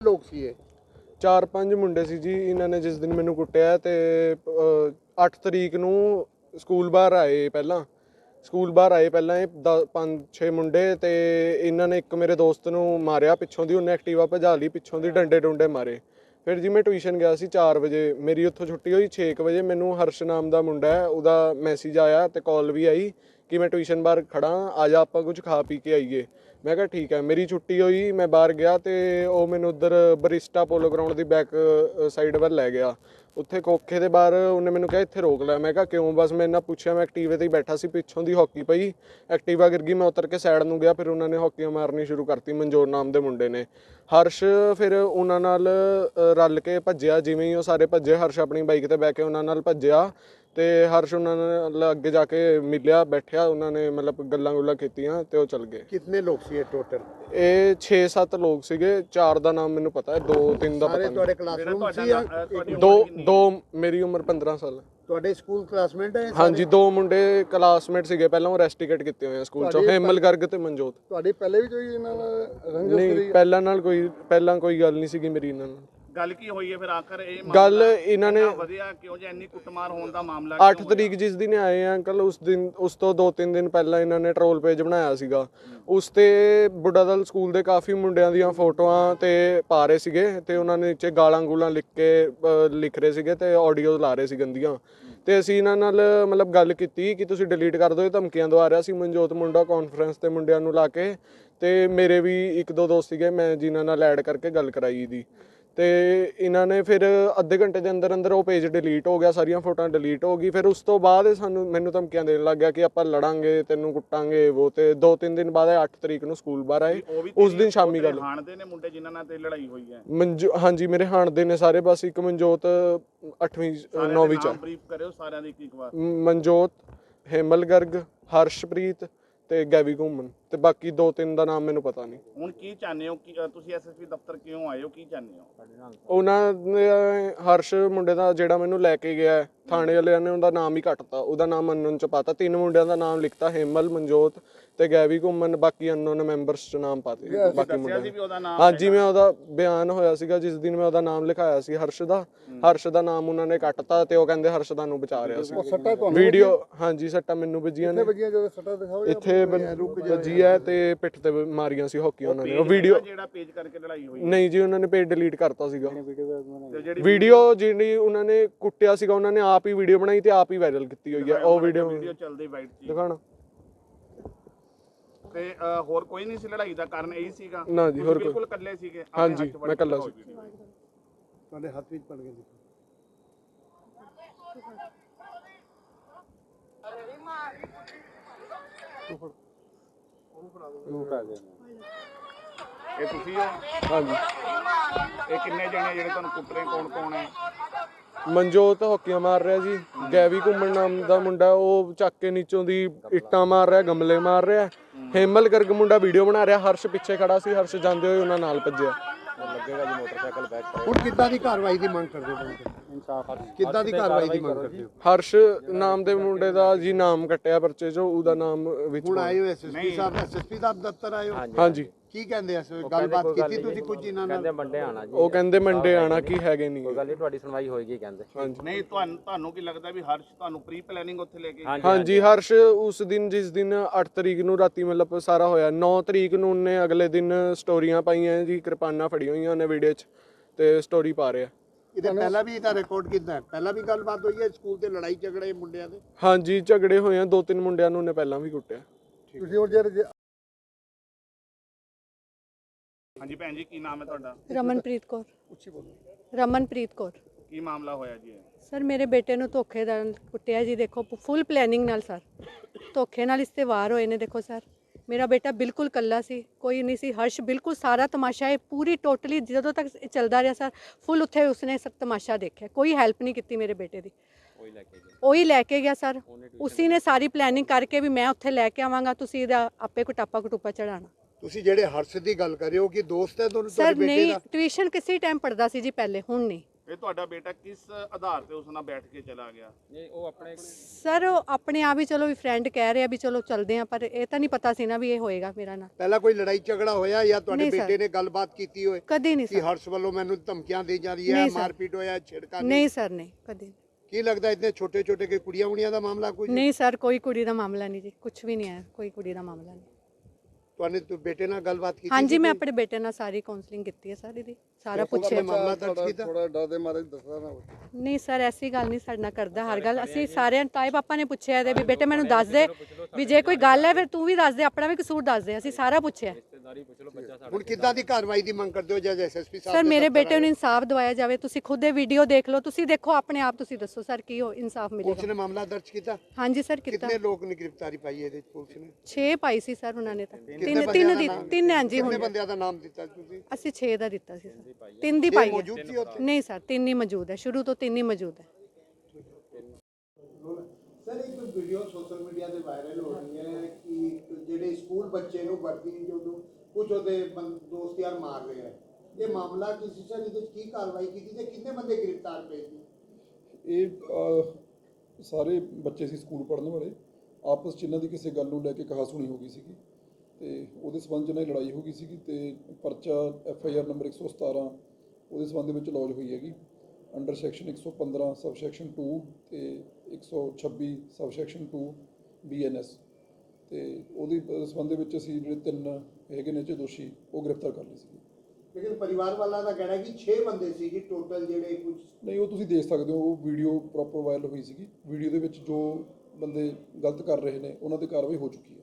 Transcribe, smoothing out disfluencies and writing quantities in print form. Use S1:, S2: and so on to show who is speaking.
S1: ਲੋਕ ਸੀ ਇਹ?
S2: 4-5 ਮੁੰਡੇ ਸੀ ਜੀ। ਇਹਨਾਂ ਨੇ ਜਿਸ ਦਿਨ ਮੈਨੂੰ ਕੁੱਟਿਆ ਤੇ 8 ਤਰੀਕ ਨੂੰ ਸਕੂਲ ਬਾਹਰ ਆਏ ਪਹਿਲਾਂ ਇਹ 5-6 ਮੁੰਡੇ ਤੇ ਇਹਨਾਂ ਨੇ ਇੱਕ ਮੇਰੇ ਦੋਸਤ ਨੂੰ ਮਾਰਿਆ ਪਿੱਛੋਂ ਦੀ। ਉਹਨੇ ਐਕਟਿਵਾ ਭਜਾ ਲਈ, ਪਿੱਛੋਂ ਦੀ ਡੰਡੇ ਡੁੰਡੇ ਮਾਰੇ। ਫਿਰ ਜੀ ਮੈਂ ਟਿਊਸ਼ਨ ਗਿਆ ਸੀ 4 ਵਜੇ, ਮੇਰੀ ਉੱਥੋਂ ਛੁੱਟੀ ਹੋਈ 6 ਵਜੇ। ਮੈਨੂੰ ਹਰਸ਼ ਨਾਮ ਦਾ ਮੁੰਡਾ ਹੈ, ਉਹਦਾ ਮੈਸੇਜ ਆਇਆ ਤੇ ਕਾਲ ਵੀ ਆਈ ਕਿ ਮੈਂ ਟਿਊਸ਼ਨ ਬਾਹਰ ਖੜਾ, ਆ ਜਾ ਆਪਾਂ ਕੁਝ ਖਾ ਪੀ ਕੇ ਆਈਏ। ਮੈਂ ਕਿਹਾ ਠੀਕ ਹੈ। ਮੇਰੀ ਛੁੱਟੀ ਹੋਈ, ਮੈਂ ਬਾਹਰ ਗਿਆ ਤੇ ਉਹ ਮੈਨੂੰ ਉੱਧਰ ਬਰਿਸਟਾ ਪੋਲੋ ਗਰਾਊਂਡ ਦੀ ਬੈਕ ਸਾਈਡ ਵੱਲ ਲੈ ਗਿਆ। ਉੱਥੇ ਕੋਖੇ ਦੇ ਬਾਹਰ ਉਹਨੇ ਮੈਨੂੰ ਕਿਹਾ ਇੱਥੇ ਰੋਕ ਲੈ। ਮੈਂ ਕਿਹਾ ਕਿਉਂ? ਬਸ ਮੈਂ ਇਹਨਾਂ ਪੁੱਛਿਆ। ਮੈਂ ਐਕਟੀਵੇ ਤੇ ਹੀ ਬੈਠਾ ਸੀ, ਪਿੱਛੋਂ ਦੀ ਹਾਕੀ ਪਈ, ਐਕਟੀਵਾ ਗਿਰ ਗਈ, ਮੈਂ ਉਤਰ ਕੇ ਸਾਈਡ ਨੂੰ ਗਿਆ। ਫਿਰ ਉਹਨਾਂ ਨੇ ਹਾਕੀਆਂ ਮਾਰਨੀ ਸ਼ੁਰੂ ਕਰਤੀ, ਮਨਜੋਤ ਨਾਮ ਦੇ ਮੁੰਡੇ ਨੇ। ਹਰਸ਼ ਫਿਰ ਉਹਨਾਂ ਨਾਲ ਰਲ ਕੇ ਭੱਜਿਆ। ਜਿਵੇਂ ਹੀ ਉਹ ਸਾਰੇ ਭੱਜੇ, ਹਰਸ਼ ਆਪਣੀ ਬਾਈਕ ਤੇ ਬਹਿ ਕੇ ਉਹਨਾਂ ਨਾਲ ਭੱਜਿਆ ਤੇ ਹਰਸ਼ ਉਹਨਾਂ ਨਾਲ ਅੱਗੇ ਜਾ ਕੇ ਮਿਲਿਆ, ਬੈਠਿਆ। ਉਹਨਾਂ ਨੇ ਮਤਲਬ ਗੱਲਾਂ ਗੁੱਲਾਂ ਕੀਤੀਆਂ ਤੇ ਉਹ ਚਲ ਗਏ।
S1: ਕਿੰਨੇ ਲੋਕ ਸੀ ਇਹ ਟੋਟਲ?
S2: ਇਹ 6-7 ਲੋਕ ਸੀਗੇ। 4 ਦਾ ਨਾਮ ਮੈਨੂੰ ਪਤਾ ਹੈ, 2-3 ਦਾ ਪਤਾ
S1: ਤੁਹਾਡੇ
S2: ਨਹੀਂ।
S1: ਕਲਾਸਰੂਮ ਸੀ ਜਾਂ
S2: ਦੋ ਮੇਰੀ ਉਮਰ 15 ਸਾਲ।
S1: ਤੁਹਾਡੇ ਸਕੂਲ ਕਲਾਸਮੇਟ ਹੈ?
S2: ਹਾਂਜੀ, 2 ਮੁੰਡੇ ਕਲਾਸਮੇਟ ਸੀਗੇ। ਪਹਿਲਾਂ ਉਹ ਰੈਸਟੀਕੇਟ ਕੀਤੇ ਹੋਏ ਆ ਸਕੂਲ ਚੋਂ, ਹੇਮਲ ਗਰਗ ਤੇ ਮਨਜੋਤ।
S1: ਤੁਹਾਡੀ ਪਹਿਲੇ ਵੀ ਕੋਈ ਇਹਨਾਂ ਨਾਲ ਰੰਜਿਸ਼
S2: ਨਹੀਂ,
S1: ਸੀ?
S2: ਪਹਿਲਾਂ ਕੋਈ ਗੱਲ ਨਹੀਂ ਸੀਗੀ ਮੇਰੀ ਇਹਨਾਂ ਨਾਲ।
S3: ਗੱਲ ਕੀ ਹੋਈ ਹੈ ਫਿਰ ਆਖਰ? ਇਹ
S2: ਗੱਲ ਇਹਨਾਂ ਨੇ
S3: ਵਧਿਆ ਕਿਉਂ ਜੇ ਇੰਨੀ ਕੁੱਟਮਾਰ ਹੋਣ ਦਾ ਮਾਮਲਾ?
S2: 8 ਤਰੀਕ ਜਿਸ ਦਿਨ ਆਏ ਆ ਅੰਕਲ, ਉਸ ਤੋਂ 2-3 ਦਿਨ ਪਹਿਲਾਂ ਇਹਨਾਂ ਨੇ ਟਰੋਲ ਪੇਜ ਬਣਾਇਆ ਸੀਗਾ। ਉਸ ਤੇ ਬੁੱਢਾ ਦਲ ਸਕੂਲ ਦੇ ਕਾਫੀ ਮੁੰਡਿਆਂ ਦੀਆਂ ਫੋਟੋਆਂ ਤੇ ਪਾ ਰਹੇ ਸੀਗੇ ਤੇ ਉਹਨਾਂ ਨੇ ਨੀਚੇ ਗਾਲਾਂ ਗੂਲਾਂ ਲਿਖ ਰਹੇ ਸੀਗੇ ਤੇ ਆਡੀਓ ਲਾ ਰਹੇ ਸੀ ਗੰਦੀਆਂ। ਤੇ ਅਸੀਂ ਇਹਨਾਂ ਨਾਲ ਮਤਲਬ ਗੱਲ ਕੀਤੀ ਕਿ ਤੁਸੀਂ ਡਿਲੀਟ ਕਰ ਦਿਓ, ਇਹ ਧਮਕੀਆਂ ਦਵਾ ਰਿਹਾ ਸੀ ਮਨਜੋਤ ਮੁੰਡਾ ਕਾਨਫਰੰਸ ਤੇ ਮੁੰਡਿਆਂ ਨੂੰ ਲਾ ਕੇ। ਤੇ ਮੇਰੇ ਵੀ 1-2 ਦੋਸਤ ਸੀਗੇ, ਮੈਂ ਜਿਨ੍ਹਾਂ ਨਾਲ ਐਡ ਕਰਕੇ ਗੱਲ ਕਰਾਈ ਦੀ। ਤੇ ਇਹਨਾਂ ਨੇ ਫਿਰ ਅੱਧੇ ਘੰਟੇ ਦੇ ਅੰਦਰ ਉਹ ਪੇਜ ਡਿਲੀਟ ਹੋ ਗਿਆ, ਸਾਰੀਆਂ ਫੋਟੋਆਂ ਡਿਲੀਟ ਹੋ ਗਈ। ਫਿਰ ਉਸ ਤੋਂ ਬਾਅਦ ਮੈਨੂੰ ਧਮਕੀਆਂ ਦੇਣ ਲੱਗ ਗਿਆ ਕਿ ਆਪਾਂ ਲੜਾਂਗੇ, ਤੈਨੂੰ ਕੁੱਟਾਂਗੇ ਉਹ। ਤੇ 2-3 ਦਿਨ ਬਾਅਦ 8 ਤਰੀਕ ਨੂੰ ਸਕੂਲ ਬਾਹਰ ਆਏ। ਉਸ ਦਿਨ ਸ਼ਾਮੀ ਗੱਲ
S3: ਹਾਣਦੇ ਨੇ ਮੁੰਡੇ ਜਿਨ੍ਹਾਂ ਨਾਲ ਤੇ ਲੜਾਈ ਹੋਈ ਹੈ?
S2: ਹਾਂਜੀ, ਮੇਰੇ ਹਾਣਦੇ ਨੇ ਸਾਰੇ। ਬਸ ਇੱਕ ਮਨਜੋਤ 8ਵੀਂ 9ਵੀਂ ਚ।
S3: ਬਰੀਫ ਕਰਿਓ ਸਾਰਿਆਂ ਦੀ ਇੱਕ ਵਾਰ।
S2: ਮਨਜੋਤ, ਹੇਮਲ ਗਰਗ, ਹਰਸ਼ਪ੍ਰੀਤ ਤੇ ਗੈਵੀ ਘੁੰਮਣ ਤੇ ਬਾਕੀ 2-3 ਦਾ ਨਾਮ ਮੈਨੂੰ ਪਤਾ ਨਹੀਂ।
S3: ਹੁਣ ਕੀ ਚਾਹੁੰਦੇ ਹੋ ਕਿ ਤੁਸੀਂ ਐਸਐਸਪੀ ਦਫ਼ਤਰ ਕਿਉਂ ਆਏ ਹੋ? ਕੀ ਚਾਹੁੰਦੇ ਹੋ?
S2: ਉਹਨਾਂ ਨੇ ਹਰਸ਼ ਮੁੰਡੇ ਦਾ ਜਿਹੜਾ ਮੈਨੂੰ ਲੈ ਕੇ ਗਿਆ, ਥਾਣੇ ਵਾਲਿਆਂ ਨੇ ਉਹਦਾ ਨਾਮ ਹੀ ਕੱਟਤਾ, ਉਹਦਾ ਨਾਮ ਅਨਨੋਨ ਚ ਪਾਤਾ। 3 ਮੁੰਡਿਆਂ ਦਾ ਨਾਮ ਲਿਖਤਾ, ਹੇਮਲ, ਮਨਜੋਤ ਤੇ ਗੈਵੀ ਘੁੰਮਣ। ਬਾਕੀ ਅਨਨੋਨ ਮੈਂਬਰਸ ਚ ਨਾਮ ਪਾਤੇ ਬਾਕੀ ਮੁੰਡਿਆਂ। ਹਾਂਜੀ, ਮੈਂ ਉਹਦਾ ਬਿਆਨ ਹੋਇਆ ਸੀਗਾ ਜਿਸ ਦਿਨ ਮੈਂ ਉਹਦਾ ਨਾਮ ਲਿਖਾਇਆ ਸੀ ਹਰਸ਼ ਦਾ ਨਾਮ ਉਹਨਾਂ ਨੇ ਕੱਟਤਾ ਤੇ ਉਹ ਕਹਿੰਦੇ ਹਰਸ਼ ਦਾ ਨੂੰ ਬਚਾ ਰਿਹਾ ਸੀ। ਵੀਡੀਓ ਹਾਂਜੀ, ਸੱਟਾਂ ਮੈਨੂੰ ਵੱਜੀਆਂ ਨੇ। ਇੱਥੇ ਵੱਜੀ ਹੈ ਤੇ ਪਿੱਠ ਤੇ ਮਾਰੀਆਂ ਸੀ ਹਾਕੀ ਉਹਨਾਂ ਨੇ। ਉਹ ਵੀਡੀਓ
S3: ਜਿਹੜਾ ਪੇਜ ਕਰਕੇ ਲੜਾਈ ਹੋਈ?
S2: ਨਹੀਂ ਜੀ, ਉਹਨਾਂ ਨੇ ਪੇਜ ਡਿਲੀਟ ਕਰਤਾ ਸੀਗਾ। ਵੀਡੀਓ ਜਿਹੜੀ ਉਹਨਾਂ ਨੇ ਕੁੱਟਿਆ ਸੀਗਾ, ਉਹਨਾਂ ਨੇ ਆਪ ਹੀ ਵੀਡੀਓ ਬਣਾਈ ਤੇ ਆਪ ਹੀ ਵਾਇਰਲ ਕੀਤੀ ਹੋਈ ਹੈ ਉਹ ਵੀਡੀਓ
S3: ਚੱਲਦੀ ਵਾਈਟ ਸੀ
S2: ਦਿਖਾਣਾ।
S3: ਤੇ ਹੋਰ ਕੋਈ ਨਹੀਂ ਸੀ ਲੜਾਈ ਦਾ ਕਾਰਨ? ਇਹੀ ਸੀਗਾ?
S2: ਨਾ ਜੀ, ਹੋਰ ਕੋਈ।
S3: ਬਿਲਕੁਲ ਇਕੱਲੇ ਸੀਗੇ?
S2: ਹਾਂਜੀ, ਮੈਂ ਇਕੱਲਾ ਸੀ।
S1: ਤੁਹਾਡੇ ਹੱਥ ਵਿੱਚ ਪੜ ਗਏ?
S3: ਇਹ ਤੁਸੀਂ ਹੋ?
S2: ਹਾਂਜੀ।
S3: ਇਹ ਕਿੰਨੇ ਜਣੇ ਜਿਹੜੇ ਤੁਹਾਨੂੰ ਕੁੱਟ ਰਹੇ, ਕੌਣ ਹੈ?
S2: ਮਨਜੋਤ ਹਾਕੀਆਂ ਮਾਰ ਰਿਹਾ ਜੀ। ਗੈਵੀ ਘੁੰਮਣ ਨਾਮ ਦਾ ਮੁੰਡਾ ਉਹ ਚੱਕ ਕੇ ਨੀਚੋਂ ਦੀ ਇੱਟਾਂ ਮਾਰ ਰਿਹਾ, ਗਮਲੇ ਮਾਰ ਰਿਹਾ। ਹੇਮਲ ਗਰਗ ਮੁੰਡਾ ਵੀਡੀਓ ਬਣਾ ਰਿਹਾ। ਹਰਸ਼ ਪਿੱਛੇ ਖੜਾ ਸੀ, ਹਰਸ਼ ਜਾਂਦੇ ਹੋਏ ਉਹਨਾਂ ਨਾਲ ਭੱਜਿਆ।
S1: ਲੱਗੇਗਾ ਜੀ ਮੋਟਰਸਾਈਕਲ ਬੈਕ। ਹੁਣ ਕਿੱਦਾਂ ਦੀ ਕਾਰਵਾਈ ਦੀ ਮੰਗ ਕਰਦੇ ਹੋ? ਇਨਸਾਫ ਕਿੱਦਾਂ ਦੀ ਕਾਰਵਾਈ ਦੀ ਮੰਗ ਕਰਦੇ ਹੋ?
S2: ਹਰਸ਼ ਨਾਮ ਦੇ ਮੁੰਡੇ ਦਾ ਜੀ ਨਾਮ ਕੱਟਿਆ ਪਰਚੇ ਚੋਂ, ਉਹਦਾ ਨਾਮ ਵਿੱਚ।
S1: ਹੁਣ ਆਏ ਹੋ ਐਸਐਸਪੀ ਸਾਹਿਬ, ਐਸਐਸਪੀ ਦਾ ਦਫ਼ਤਰ ਆਏ ਹੋ?
S2: ਹਾਂਜੀ।
S1: ਕੀ ਕਹਿੰਦੇ ਐ? ਗੱਲਬਾਤ ਕੀਤੀ ਤੁਸੀਂ ਕੁਝ ਇਹਨਾਂ ਨਾਲ?
S4: ਕਹਿੰਦੇ ਮੰਡੇ ਆਣਾ ਜੀ।
S2: ਉਹ ਕਹਿੰਦੇ ਮੰਡੇ ਆਣਾ, ਕੀ ਹੈਗੇ ਨਹੀਂ।
S4: ਕੋਈ ਗੱਲ ਨਹੀਂ, ਤੁਹਾਡੀ ਸੁਣਵਾਈ ਹੋਏਗੀ ਕਹਿੰਦੇ।
S2: ਹਾਂਜੀ।
S3: ਨਹੀਂ, ਤੁਹਾਨੂੰ ਕੀ ਲੱਗਦਾ ਵੀ ਹਰਸ਼ ਤੁਹਾਨੂੰ ਪ੍ਰੀ ਪਲੈਨਿੰਗ ਉੱਥੇ ਲੈ ਕੇ?
S2: ਹਾਂਜੀ, ਹਰਸ਼ ਉਸ ਦਿਨ ਜਿਸ ਦਿਨ 8 ਤਰੀਕ ਨੂੰ ਰਾਤੀ ਮਤਲਬ ਸਾਰਾ ਹੋਇਆ, 9 ਤਰੀਕ ਨੂੰ ਉਹਨੇ ਅਗਲੇ ਦਿਨ ਸਟੋਰੀਆਂ ਪਾਈਆਂ ਜੀ, ਕਿਰਪਾਨਾਂ ਫੜੀਆਂ ਹੋਈਆਂ ਉਹਨੇ ਵੀਡੀਓ 'ਚ ਤੇ ਸਟੋਰੀ ਪਾ ਰਿਹਾ।
S1: ਇਹਦੇ ਪਹਿਲਾਂ ਵੀ ਇਹਦਾ ਰਿਕਾਰਡ ਕੀਤਾ ਹੈ? ਪਹਿਲਾਂ ਵੀ ਗੱਲਬਾਤ ਹੋਈ ਹੈ ਸਕੂਲ ਤੇ? ਲੜਾਈ ਝਗੜੇ ਮੁੰਡਿਆਂ ਦੇ?
S2: ਹਾਂਜੀ, ਝਗੜੇ ਹੋਏ ਆ। 2-3 ਮੁੰਡਿਆਂ ਨੂੰ ਉਹਨੇ ਪਹਿਲਾਂ ਵੀ ਕੁੱਟਿਆ।
S1: ਤੁਸੀਂ ਹੁਣ ਜੇ
S3: ਹਾਂਜੀ ਭੈਣ ਜੀ, ਕੀ ਨਾਮ ਹੈ ਤੁਹਾਡਾ?
S5: ਰਮਨਪ੍ਰੀਤ ਕੌਰ।
S1: ਉੱਚੀ ਬੋਲੋ।
S5: ਰਮਨਪ੍ਰੀਤ ਕੌਰ।
S3: ਕੀ ਮਾਮਲਾ ਹੋਇਆ ਜੀ?
S5: ਸਰ, ਮੇਰੇ ਬੇਟੇ ਨੂੰ ਧੋਖੇ ਨਾਲ ਕੁੱਟਿਆ ਜੀ। ਦੇਖੋ, ਫੁੱਲ ਪਲੈਨਿੰਗ ਨਾਲ ਸਰ, ਧੋਖੇ ਨਾਲ ਇਸ ਤੇ ਵਾਰ ਹੋਏ ਨੇ। ਦੇਖੋ ਸਰ, ਮੇਰਾ ਬੇਟਾ ਬਿਲਕੁਲ ਕੱਲਾ ਸੀ, ਕੋਈ ਨਹੀਂ ਸੀ। ਹਰਸ਼ ਬਿਲਕੁਲ ਸਾਰਾ ਤਮਾਸ਼ਾ ਇਹ ਪੂਰੀ ਟੋਟਲੀ ਜਦੋਂ ਤੱਕ ਚੱਲਦਾ ਰਿਹਾ ਸਰ, ਫੁੱਲ ਉੱਥੇ ਉਸਨੇ ਸਭ ਤਮਾਸ਼ਾ ਦੇਖਿਆ, ਕੋਈ ਹੈਲਪ ਨਹੀਂ ਕੀਤੀ ਮੇਰੇ ਬੇਟੇ ਦੀ। ਉਹੀ ਲੈ ਕੇ ਗਿਆ ਸਰ, ਉਸੀ ਨੇ ਸਾਰੀ ਪਲੈਨਿੰਗ ਕਰਕੇ ਵੀ ਮੈਂ ਉੱਥੇ ਲੈ ਕੇ ਆਵਾਂਗਾ, ਤੁਸੀਂ ਇਹਦਾ ਆਪੇ ਕੁਟਾਪਾ ਕਟੂਪਾ ਚੜਾਣਾ।
S1: ਤੁਸੀਂ ਜਿਹੜੇ ਹਰਸ਼ ਦੀ ਗੱਲ ਕਰ ਰਹੇ ਹੋ ਕਿ ਦੋਸਤ ਹੈ ਤੁਹਾਨੂੰ?
S5: ਸਰ ਨਹੀਂ, ਟਿਊਸ਼ਨ ਕਿਸੇ ਟਾਈਮ ਪੜਦਾ ਸੀ ਜੀ ਪਹਿਲੇ, ਹੁਣ ਨਹੀਂ।
S3: ਇਹ ਤੁਹਾਡਾ ਬੇਟਾ ਕਿਸ ਆਧਾਰ ਤੇ ਉਸ ਨਾਲ ਬੈਠ ਕੇ ਚਲਾ ਗਿਆ?
S5: ਸਰ ਉਹ ਆਪਣੇ ਆਪ ਹੀ ਚਲੋ ਵੀ ਫਰੈਂਡ ਕਹਿ ਰਿਹਾ ਵੀ ਚਲੋ ਚੱਲਦੇ ਆ, ਪਰ ਇਹ ਤਾਂ ਨਹੀਂ ਪਤਾ ਸੀ ਨਾ ਵੀ ਇਹ ਹੋਏਗਾ ਮੇਰਾ ਨਾਲ।
S1: ਪਹਿਲਾਂ ਕੋਈ ਲੜਾਈ ਝਗੜਾ ਹੋਇਆ ਜਾਂ ਤੁਹਾਡੇ
S5: ਨਹੀਂ ਸਰ।
S1: ਬੇਟੇ ਨੇ ਗੱਲਬਾਤ ਕੀਤੀ ਹੋਏ
S5: ਕਦੇ ਨਹੀਂ
S1: ਕਿ
S5: ਸਰ।
S1: ਹਰਸ਼ ਵੱਲੋਂ ਮੈਨੂੰ ਧਮਕੀਆਂ ਦੇ ਜਾ ਰਹੀ ਹੈ,
S5: ਨਹੀਂ ਸਰ।
S1: ਮਾਰਪੀਟ ਹੋਇਆ, ਛੇੜਖਾਨੀ?
S5: ਨਹੀਂ ਸਰ, ਨਹੀਂ ਕਦੇ ਨਹੀਂ।
S1: ਕੀ ਲੱਗਦਾ ਇतने ਛੋਟੇ ਛੋਟੇ ਕੇ ਕੁੜੀਆਂ ਉੜੀਆਂ ਦਾ ਮਾਮਲਾ ਕੋਈ?
S5: ਨਹੀਂ ਸਰ, ਕੋਈ ਕੁੜੀ ਦਾ ਮਾਮਲਾ ਨਹੀਂ ਜੀ, ਕੁਝ ਵੀ ਨਹੀਂ ਹੈ, ਕੋਈ ਕੁੜੀ ਦਾ ਮਾਮਲਾ ਨਹੀਂ।
S1: ਤੁਹਾਨੇ ਬੇਟੇ ਨਾਲ ਗੱਲਬਾਤ ਕੀਤੀ?
S5: ਹਾਂਜੀ, ਮੈਂ ਆਪਣੇ ਬੇਟੇ ਨਾਲ ਸਾਰੀ ਕਾਉਂਸਲਿੰਗ ਕੀਤੀ ਹੈ ਸਰ, ਇਹਦੀ ਸਾਰਾ ਪੁੱਛਿਆ।
S1: ਮਾਮਲਾ ਦਰਜ ਕੀਤਾ?
S4: ਥੋੜਾ ਡਰ ਦੇ ਮਾਰੇ ਦੱਸਦਾ ਨਾ।
S5: ਨਹੀਂ ਸਰ, ਐਸੀ ਗੱਲ ਨਹੀਂ ਸਾਡੇ ਨਾਲ ਕਰਦਾ ਹਰ ਗੱਲ। ਅਸੀਂ ਸਾਰਿਆਂ ਤਾਏ ਪਾਪਾ ਨੇ ਪੁੱਛਿਆ ਇਹਦੇ ਵੀ ਬੇਟੇ ਮੈਨੂੰ ਦੱਸ ਦੇ, ਵੀ ਜੇ ਕੋਈ ਗੱਲ ਹੈ ਫਿਰ ਤੂੰ ਵੀ ਦੱਸ ਦੇ, ਆਪਣਾ ਵੀ ਕਸੂਰ ਦੱਸ ਦੇ, ਅਸੀਂ ਸਾਰਾ ਪੁੱਛਿਆ।
S1: ਹੁਣ ਕਿੱਦਾਂ ਦੀ ਕਾਰਵਾਈ ਦੀ ਮੰਗ ਕਰਦੇ ਹੋ ਜੱਜ ਐਸਐਸਪੀ ਸਾਹਿਬ?
S5: ਸਰ ਮੇਰੇ ਬੇਟੇ ਨੂੰ ਇਨਸਾਫ ਦਿਵਾਇਆ ਜਾਵੇ। ਤੁਸੀਂ ਖੁਦ ਇਹ ਵੀਡੀਓ ਦੇਖ ਲਓ, ਤੁਸੀਂ ਦੇਖੋ ਆਪਣੇ ਆਪ, ਤੁਸੀਂ ਦੱਸੋ ਸਰ ਕੀ ਹੋ ਇਨਸਾਫ
S1: ਪੁਲਿਸ
S5: ਮਿਲੇਗਾ।
S1: ਨੇ ਮਾਮਲਾ ਦਰਜ ਕੀਤਾ?
S5: ਹਾਂਜੀ ਸਰ, ਕੀਤਾ।
S1: ਕਿੰਨੇ ਲੋਕ ਨੇ ਗ੍ਰਿਫਤਾਰੀ ਪਾਈ ਇਹਦੇ ਚ ਪੁਲਿਸ ਨੇ?
S5: 6 ਪਾਈ ਸੀ ਸਰ ਉਹਨਾਂ ਨੇ ਤਾਂ।
S1: ਕਿੰਨੇ
S5: ਤਿੰਨ ਹਾਂਜੀ
S1: ਕਿੰਨੇ
S5: ਹੁਣ
S1: ਬੰਦਿਆਂ ਦਾ ਨਾਮ ਦਿੱਤਾ ਤੁਸੀਂ?
S5: ਅਸੀਂ 6 ਦਾ ਦਿੱਤਾ ਸੀ ਸਰ, 3 ਦੀ
S1: ਛੇ
S5: ਪਾਈ
S1: ਮੌਜੂਦ
S5: ਹੈ।
S1: ਸੀ ਉੱਥੇ?
S5: ਨਹੀਂ ਸਰ, 3 ਹੀ ਮੌਜੂਦ ਹੈ, ਸ਼ੁਰੂ ਤੋਂ 3 ਹੀ ਮੌਜੂਦ ਹੈ।
S1: ਸਰ ਇੱਕ ਵੀਡੀਓ ਸੋਸ਼ਲ ਮੀਡੀਆ ਤੇ ਵਾਇਰਲ ਹੋ ਰਹੀ ਹੈ ਕਿ ਜਿਹੜੇ ਸਕੂਲ ਬੱਚੇ ਨੂੰ ਵਰਦੀ ਜਦੋਂ ਕੁਝ ਉਹਦੇ ਦੋਸਤ ਯਾਰ ਮਾਰ ਰਹੇ ਹੈ, ਇਹ ਮਾਮਲਾ ਕੀ ਸੀ ਸਰ? ਇਹਦੇ ਵਿੱਚ ਕੀ ਕਾਰਵਾਈ ਕੀਤੀ ਤੇ ਕਿੰਨੇ ਬੰਦੇ ਗ੍ਰਿਫਤਾਰ ਪਏ ਸੀ?
S4: ਇਹ ਸਾਰੇ ਬੱਚੇ ਸੀ ਸਕੂਲ ਪੜ੍ਹਨ ਵਾਲੇ, ਆਪਸ 'ਚ ਇਹਨਾਂ ਦੀ ਕਿਸੇ ਗੱਲ ਨੂੰ ਲੈ ਕੇ ਕਹਾਸੁਣੀ ਹੋ ਗਈ ਸੀਗੀ ਤੇ ਉਹਦੇ ਸਬੰਧ 'ਚ ਇਹਨਾਂ ਦੀ ਲੜਾਈ ਹੋ ਗਈ ਸੀਗੀ ਤੇ ਪਰਚਾ FIR ਨੰਬਰ 117 ਉਹਦੇ ਸਬੰਧ ਦੇ ਵਿੱਚ ਲੌਜ ਹੋਈ ਹੈਗੀ ਅੰਡਰ ਸੈਕਸ਼ਨ 115 ਸਬ ਸੈਕਸ਼ਨ 2 ਤੇ 126 ਸਬ ਸੈਕਸ਼ਨ 2 BNS ਤੇ ਉਹਦੀ ਸਬੰਧ ਦੇ ਵਿੱਚ ਅਸੀਂ ਜਿਹੜੇ 3 ਹੈਗੇ ਨੇ ਦੋਸ਼ੀ ਉਹ ਗ੍ਰਿਫਤਾਰ ਕਰ ਲਏ ਸੀ।
S1: ਲੇਕਿਨ ਪਰਿਵਾਰ ਵਾਲਾ ਦਾ ਕਹਿਣਾ ਹੈ ਕਿ 6 ਬੰਦੇ ਸੀ ਜੀ ਟੋਟਲ ਜਿਹੜੇ ਕੁਝ।
S4: ਨਹੀਂ, ਉਹ ਤੁਸੀਂ ਦੇਖ ਸਕਦੇ ਹੋ, ਉਹ ਵੀਡੀਓ ਪ੍ਰੋਪਰ ਵਾਇਰਲ ਹੋਈ ਸੀਗੀ। ਵੀਡੀਓ ਦੇ ਵਿੱਚ ਜੋ ਬੰਦੇ ਗਲਤ ਕਰ ਰਹੇ ਨੇ ਉਹਨਾਂ ਤੇ ਕਾਰਵਾਈ ਹੋ ਚੁੱਕੀ ਹੈ।